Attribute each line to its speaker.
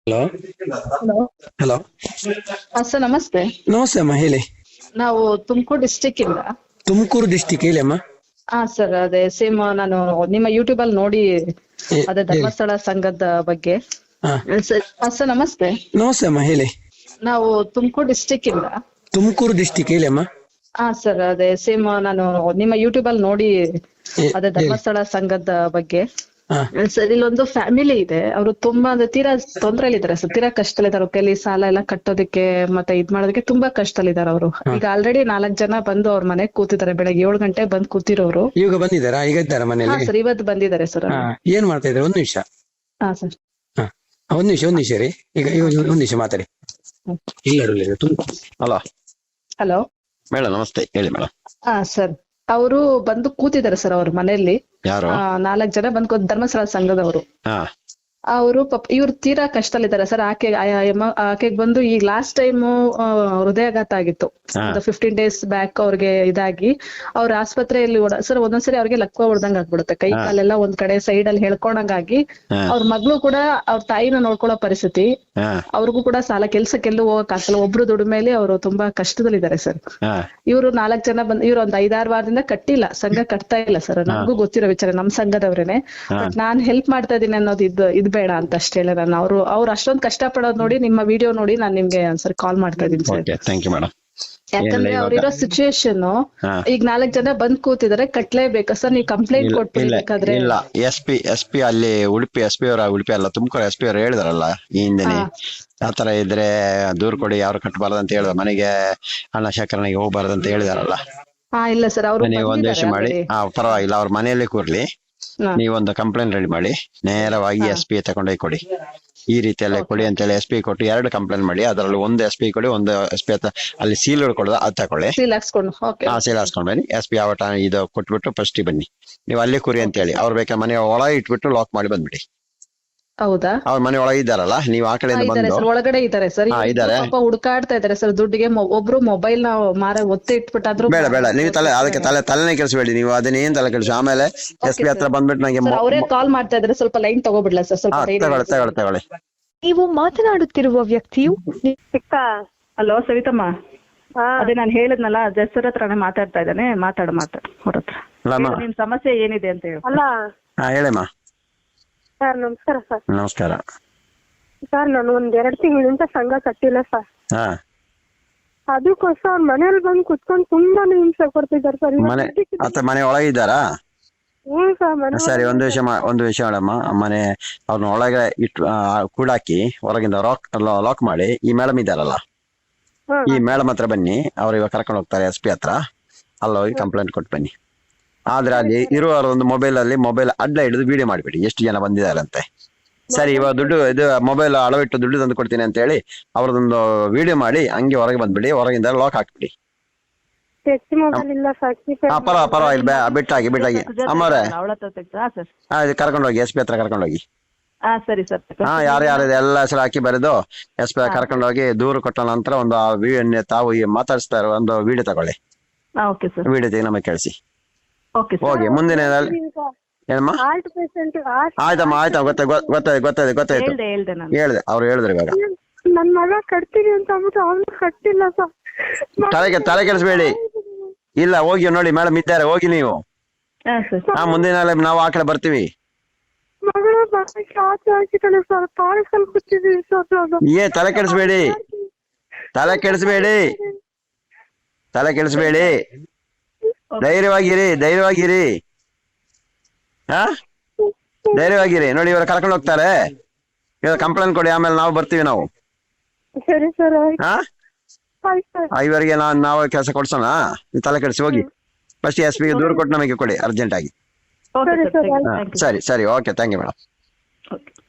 Speaker 1: Hello.
Speaker 2: Hello.
Speaker 1: Hello.
Speaker 2: Sir ನಮಸ್ತೆ.
Speaker 1: ನಮಸ್ತೆ ಅಮ್ಮ, ಹೇಳಿ.
Speaker 2: ನಾವು ತುಮಕೂರು ಡಿಸ್ಟಿಕ್ ಇಂದ.
Speaker 1: ತುಮಕೂರು ಡಿಸ್ಟಿಕ್, ಹೇಳಿ ಅಮ್ಮ.
Speaker 2: ಸರ್ ಅದೇ ಸೇಮ್ ನಾನು ನಿಮ್ಮ ಯೂಟ್ಯೂಬ್ ಅಲ್ಲಿ ನೋಡಿ ಅದೇ
Speaker 1: ಹೇಳಿ.
Speaker 2: ಧರ್ಮಸ್ಥಳ ಸಂಘದ ಬಗ್ಗೆ.
Speaker 1: ಹಾ.
Speaker 2: ಸರ್ ನಮಸ್ತೆ.
Speaker 1: ನಮಸ್ತೆ ಅಮ್ಮ, ಹೇಳಿ.
Speaker 2: ನಾವು ತುಮಕೂರು ಡಿಸ್ಟಿಕ್ ಇಂದ.
Speaker 1: ತುಮಕೂರು ಡಿಸ್ಟಿಕ್, ಹೇಳಿ ಅಮ್ಮ.
Speaker 2: ಸರ್ ಅದೇ ಸೇಮ್ ನಾನು ನಿಮ್ಮ ಯೂಟ್ಯೂಬ್ ಅಲ್ಲಿ ನೋಡಿ ಅದೇ
Speaker 1: ಹೇಳಿ.
Speaker 2: ಧರ್ಮಸ್ಥಳ ಸಂಘದ ಬಗ್ಗೆ.
Speaker 1: ಹಾ.
Speaker 2: ಸರ್ ಇಲ್ಲೊಂದು ಫ್ಯಾಮಿಲಿ ಇದೆ, ಅವರು ತುಂಬಾ ಅಂದ್ರೆ ತೀರಾ ತೊಂದ್ರೆಲಿದ್ದಾರೆ ಸರ್, ತೀರಾ ಕಷ್ಟದಲ್ಲಿದ್ದಾರೆ. ಅವ್ರ ಕೈಲಿ ಸಾಲ ಎಲ್ಲ ಕಟ್ಟೋದಕ್ಕೆ ಮತ್ತೆ ಇದ್ ಮಾಡೋದಕ್ಕೆ ತುಂಬಾ ಕಷ್ಟದಲ್ಲಿದ್ದಾರೆ ಅವರು. ಈಗ ಆಲ್ರೆಡಿ 4 ಜನ ಬಂದು ಅವ್ರ ಮನೆಗ್ ಕೂತಿದ್ದಾರೆ, ಬೆಳಗ್ಗೆ 7 ಗಂಟೆಗೆ ಬಂದು ಕೂತಿರೋರು.
Speaker 1: ಈಗ ಬಂದಿದ್ದಾರಾ? ಈಗ ಇದ್ದಾರಾ ಮನೆಯಲ್ಲಿ?
Speaker 2: ಸರ್ ಇವತ್ತು ಬಂದಿದ್ದಾರೆ ಸರ್.
Speaker 1: ಹಾ. ಏನ್ ಮಾಡ್ತಾ ಇದ್ದಾರೆ? ಒಂದ್ ನಿಮಿಷ.
Speaker 2: ಸರ್.
Speaker 1: ಹಾ, ಒಂದ್ ನಿಮಿಷ ರೀ. ಈಗ ಒಂದ್ ನಿಮಿಷ ಮಾತಾಡಿ. ಇಲ್ಲ ಹಲೋ.
Speaker 2: ಹಲೋ
Speaker 1: ಮೇಡಮ್ ನಮಸ್ತೆ, ಹೇಳಿ ಮೇಡಮ್.
Speaker 2: ಸರ್ ಅವರು ಬಂದು ಕೂತಿದ್ದಾರೆ ಸರ್ ಅವ್ರ ಮನೆಯಲ್ಲಿ.
Speaker 1: ಯಾರು?
Speaker 2: 4 ಜನ ಬಂದು ಧರ್ಮಸ್ಥಳ ಸಂಘದವರು.
Speaker 1: ಹಾ.
Speaker 2: ಅವರು ಇವ್ರು ತೀರಾ ಕಷ್ಟದಲ್ಲಿದ್ದಾರೆ ಸರ್. ಆಕೆಗೆ ಬಂದು ಈಗ ಲಾಸ್ಟ್ ಟೈಮ್ ಹೃದಯಾಘಾತ ಆಗಿತ್ತು. ಒಂದು 15 days ಬ್ಯಾಕ್ ಅವ್ರಿಗೆ ಇದಾಗಿ ಅವ್ರ ಆಸ್ಪತ್ರೆಯಲ್ಲಿ ಸರ್ ಒಂದೊಂದ್ಸರಿ ಅವ್ರಿಗೆ ಲಕ್ವ ಹೊಡ್ದಂಗ್ ಆಗ್ಬಿಡುತ್ತೆ, ಕೈ ಕಾಲೆಲ್ಲ ಒಂದ್ ಕಡೆ ಸೈಡ್ ಅಲ್ಲಿ ಹೇಳ್ಕೊಂಡಂಗಾಗಿ. ಅವ್ರ ಮಗಳು ಕೂಡ ಅವ್ರ ತಾಯಿನ ನೋಡ್ಕೊಳ್ಳೋ ಪರಿಸ್ಥಿತಿ. ಅವ್ರಿಗೂ ಕೂಡ ಕೆಲ್ಸಕ್ಕೆಲ್ಲೂ ಹೋಗಕ್ ಆಗಲ್ಲ, ಒಬ್ರು ದುಡಿಮೇಲೆ ಅವರು ತುಂಬಾ ಕಷ್ಟದಲ್ಲಿದ್ದಾರೆ ಸರ್. ಇವ್ರು 4 ಜನ ಬಂದ್ ಇವ್ರು ಒಂದ್ 5-6 ವಾರದಿಂದ ಕಟ್ಟಿಲ್ಲ, ಸಂಘ ಕಟ್ತಾ ಇಲ್ಲ ಸರ್. ನಮಗೂ ಗೊತ್ತಿರೋ ವಿಚಾರ, ನಮ್ ಸಂಘದವ್ರೇನೆ. ಬಟ್ ನಾನ್ ಹೆಲ್ಪ್ ಮಾಡ್ತಾ ಇದೀನಿ ಅನ್ನೋದು ಇದು ಬೇಡ ಅಂತ ಅಷ್ಟೇ ಹೇಳ. ನಾನು ಅವ್ರು ಅಷ್ಟೊಂದ್ ಕಷ್ಟ ಪಡೋದ್ ನೋಡಿ, ನಿಮ್ಮ ವಿಡಿಯೋ ನೋಡಿ ನಾನು ನಿಮ್ಗೆ ಒಂದ್ಸರಿ ಕಾಲ್ ಮಾಡ್ತಾ ಇದೀನಿ ಸರ್.
Speaker 1: Thank you madam.
Speaker 2: ಯಾಕಂದ್ರೆ ಅವ್ರಿರೋ ಸಿಚುಯೇಷನ್ ಈಗ 4 ಜನ ಬಂದ್ ಕೂತಿದ್ದಾರೆ, ಕಟ್ಲೇಬೇಕಾ ಸರ್? ನೀವು ಕಂಪ್ಲೇಂಟ್ ಕೊಟ್ಬಿಡ್ಬೇಕಾದ್ರೆ.
Speaker 3: ಇಲ್ಲ, ಎಸ್ ಪಿ ಅಲ್ಲಿ ಉಡುಪಿ ಉಡುಪಿ ಅಲ್ಲ, ತುಮಕೂರು ಎಸ್ ಪಿ ಅವರು ಹೇಳಿದಾರಲ್ಲ ಈ ಹಿಂದೆನೆ. ಆತರ ಇದ್ರೆ ದೂರ್ ಕೊಡಿ, ಯಾರು ಕಟ್ಟಬಾರ್ದು ಅಂತ ಹೇಳಿದ, ಮನೆಗೆ ಹಣ ಶೇಖರಣೆಗೆ ಹೋಗ್ಬಾರ್ದು ಅಂತ ಹೇಳಿದಾರಲ್ಲ.
Speaker 2: ಇಲ್ಲ ಸರ್, ಅವರು
Speaker 3: ನೀವು ಒಂದು ವಿಷಯ ಮಾಡಿ, ಪರವಾಗಿಲ್ಲ, ಅವ್ರ ಮನೆಯಲ್ಲೇ ಕೂರ್ಲಿ, ನೀವೊಂದು ಕಂಪ್ಲೇಂಟ್ ರೆಡಿ ಮಾಡಿ ನೇರವಾಗಿ ಎಸ್ ಪಿ ತಗೊಂಡೋಗಿ ಕೊಡಿ. ಈ ರೀತಿಯಲ್ಲೇ ಕೊಡಿ ಅಂತೇಳಿ ಎಸ್ ಪಿ ಕೊಟ್ಟು 2 ಕಂಪ್ಲೇಂಟ್ ಮಾಡಿ, ಅದರಲ್ಲಿ ಒಂದು ಎಸ್ ಪಿ ಕೊಡಿ, ಒಂದು ಎಸ್ ಪಿ ಅಲ್ಲಿ ಸೀಲ್ ಕೊಡೋದು ಅದು ತಗೊಳ್ಳಿ. ಸೀಲ್ ಹಾಕ್ಸ್ಕೊಂಡು ಬನ್ನಿ. ಎಸ್ ಪಿ ಯಾವ ಟೈಮ್ ಇದು ಕೊಟ್ಬಿಟ್ಟು ಫಸ್ಟ್ ಬನ್ನಿ, ನೀವು ಅಲ್ಲೇ ಕುರಿ ಅಂತ ಹೇಳಿ. ಅವ್ರು ಬೇಕಾದ್ರೆ ಮನೆ ಒಳಗೆ ಇಟ್ಬಿಟ್ಟು ಲಾಕ್ ಮಾಡಿ ಬಂದ್ಬಿಡಿ.
Speaker 2: ಹೌದಾ?
Speaker 3: ಅವ್ರ ಮನೆ ಒಳಗೆ ಇದ್ದಾರಲ್ಲ, ನೀವು ಆ ಕಡೆಯಿಂದ ಬಂದು.
Speaker 2: ಒಳಗಡೆ ಇದ್ದಾರೆ ಸರ್, ಹುಡುಕಾಡ್ತಾ ಇದಾರೆ ಸರ್ ದುಡ್ಡಿಗೆ. ಒಬ್ರು ಮೊಬೈಲ್ ನ ಒತ್ತೆ ಇಟ್ಬಿಟ್ಟಾದ್ರು.
Speaker 3: ಬೇಡ, ನೀವು ಅದಕ್ಕೆ ತಲೆನೇ ಕೆಲ್ಸಬೇಡಿ, ನೀವು ಅದನ್ನೇನ್ ತಲೆ ಕೆಲ್ಸ. ಆಮೇಲೆ ಎಸ್ ಪಿ ಹತ್ರ ಬಂದ್ಬಿಟ್ಟು ನಂಗೆ
Speaker 2: ಅವರೇ ಕಾಲ್ ಮಾಡ್ತಾ ಇದಾರೆ, ಸ್ವಲ್ಪ ಲೈನ್ ತಗೋಬಿಡ್ಲಾ ಸರ್? ಸ್ವಲ್ಪ
Speaker 3: ತಗೊಳ್ಳಿ.
Speaker 4: ನೀವು ಮಾತನಾಡುತ್ತಿರುವ ವ್ಯಕ್ತಿಯು.
Speaker 2: ಹಲೋ ಸವಿತಮ್ಮ, ಅದೇ ನಾನು ಹೇಳಿದ್ನಲ್ಲ, ಜಸ್ಸರ್ ಹತ್ರನೇ ಮಾತಾಡ್ತಾ ಇದ್ದಾನೆ, ಮಾತಾಡ ಅವ್ರ ಹತ್ರ. ನಿಮ್ ಸಮಸ್ಯೆ ಏನಿದೆ ಅಂತ ಹೇಳಿ.
Speaker 3: ಹೇಳಮ್ಮ.
Speaker 4: ಸರ್ ನಮಸ್ಕಾರ ಸರ್.
Speaker 3: ನಮಸ್ಕಾರ
Speaker 4: ಸರ್, ನಾನು 1-2 ತಿಂಗಳಿಂದ ಸಂಘ ಕಟ್ಟಿಲ್ಲ ಸರ್. ಅದಕ್ಕೋಸ್ಕರ ಅವ್ರ ಮನೇಲಿ ಬಂದು ಕುತ್ಕೊಂಡು ತುಂಬಾನೇ ಹಿಂಸೆ ಕೊಡ್ತಿದ್ದಾರೆ ಸರ್.
Speaker 3: ಮನೆ ಒಳಗೆ ಇದ್ದಾರಾ?
Speaker 4: ಹ್ಞೂ ಸರ್.
Speaker 3: ಸರಿ, ಒಂದು ವಿಷಯ ಮೇಡಮ್. ಮನೆ ಅವ್ರನ್ನ ಒಳಗೆ ಇಟ್ಟು ಕೂಡಾಕಿ ಹೊರಗಿಂದ ಲಾಕ್ ಮಾಡಿ, ಈ ಮೇಡಮ್ ಇದ್ದಾರಲ್ಲ, ಈ ಮೇಡಮ್ ಹತ್ರ ಬನ್ನಿ. ಅವ್ರು ಇವಾಗ ಕರ್ಕೊಂಡು ಹೋಗ್ತಾರೆ ಎಸ್ ಪಿ ಹತ್ರ. ಹೋಗಿ ಕಂಪ್ಲೇಂಟ್ ಕೊಟ್ಟು ಬನ್ನಿ. ಆದ್ರೆ ಅಲ್ಲಿ ಇರುವವರು ಒಂದು ಮೊಬೈಲ್ ಅಡ್ಡ ಹಿಡಿದು ವಿಡಿಯೋ ಮಾಡಿಬಿಡಿ, ಎಷ್ಟು ಜನ ಬಂದಿದ್ದಾರೆ ಅಂತೆ. ಸರಿ, ಇವಾಗ ದುಡ್ಡು ಮೊಬೈಲ್ ಅಳವಿಟ್ಟು ದುಡ್ಡು ತಂದು ಕೊಡ್ತೀನಿ ಅಂತ ಹೇಳಿ ಅವ್ರದೊಂದು ವಿಡಿಯೋ ಮಾಡಿ ಹಂಗೆ ಹೊರಗೆ ಬಂದ್ಬಿಡಿ, ಹೊರಗಿಂದ ಲಾಕ್ ಹಾಕ್ಬಿಡಿ. ಪರವಾಗಿಲ್ಲ, ಬಿಟ್ಟಾಗಿ ಅಮ್ಮವ್ರೆ, ಕರ್ಕೊಂಡೋಗಿ ಎಸ್ ಪಿ ಹತ್ರ ಕರ್ಕೊಂಡೋಗಿ.
Speaker 2: ಸರಿ ಸರ್.
Speaker 3: ಯಾರ್ಯಾರಿದೆ ಎಲ್ಲ ಹೆಸರು ಹಾಕಿ ಬರೆದು ಎಸ್ ಪಿ ಕರ್ಕೊಂಡೋಗಿ ದೂರು ಕೊಟ್ಟ ನಂತರ ಒಂದು ತಾವು ಮಾತಾಡಿಸ್ತಾ ಇರೋ ಒಂದು ವಿಡಿಯೋ ತಗೊಳ್ಳಿ. ವಿಡಿಯೋ ತೆಗೆ ನಮಗೆ ಕಳಿಸಿ. ಹೋಗಿ ಮುಂದಿನ ಏನಮ್ಮ? ಆಯ್ತಮ್ಮ, ಗೊತ್ತಾಯ್ತು. ಹೇಳ್ದೆ, ಅವ್ರು ಹೇಳಿದ್ರು ಇವಾಗ.
Speaker 4: ನನ್ ಮಗ ಕಟ್ತೀನಿ ಅಂತ ಅಂದ್ಬಿಟ್ಟು ಅವ್ನು ಕಟ್ಟಿಲ್ಲ ಸರ್.
Speaker 3: ತಲೆ ಕೆಡಿಸ್ಬೇಡಿ. ಇಲ್ಲ, ಹೋಗಿ ನೋಡಿ, ಮೇಡಮ್ ಇದ್ದಾರೆ, ಹೋಗಿ ನೀವು. ಮುಂದಿನ ನಾವು ಆ ಕಡೆ ಬರ್ತೀವಿ.
Speaker 4: ಮಗಳು ಆಚೆ ಹಾಕಿದ್ದಾಳೆ ಸರ್, ಪಾರ್ಸಲ್ ಕೂತಿದ್ದೀವಿ ಸರ್.
Speaker 3: ತಲೆ ಕೆಡಿಸ್ಬೇಡಿ. ಧೈರ್ಯವಾಗಿರಿ. ಧೈರ್ಯವಾಗಿರಿ. ನೋಡಿ, ಇವರು ಕರ್ಕೊಂಡು ಹೋಗ್ತಾರೆ. ಇವಾಗ ಕಂಪ್ಲೇಂಟ್ ಕೊಡಿ, ಆಮೇಲೆ ನಾವು ಬರ್ತೀವಿ. ನಾವು
Speaker 4: ಸರಿ ಸರ್.
Speaker 3: ಇವರಿಗೆ ನಾವು ಕೆಲಸ ಕೊಡ್ಸೋಣ. ತಲೆ ಕೆಡಿಸಿ ಹೋಗಿ ಫಸ್ಟ್ ಎಸ್ ಪಿಗೆ ದೂರು ಕೊಟ್ಟು ನಮಗೆ ಕೊಡಿ ಅರ್ಜೆಂಟ್ ಆಗಿ. ಸರಿ, ಓಕೆ, ಥ್ಯಾಂಕ್ ಯು ಮೇಡಮ್.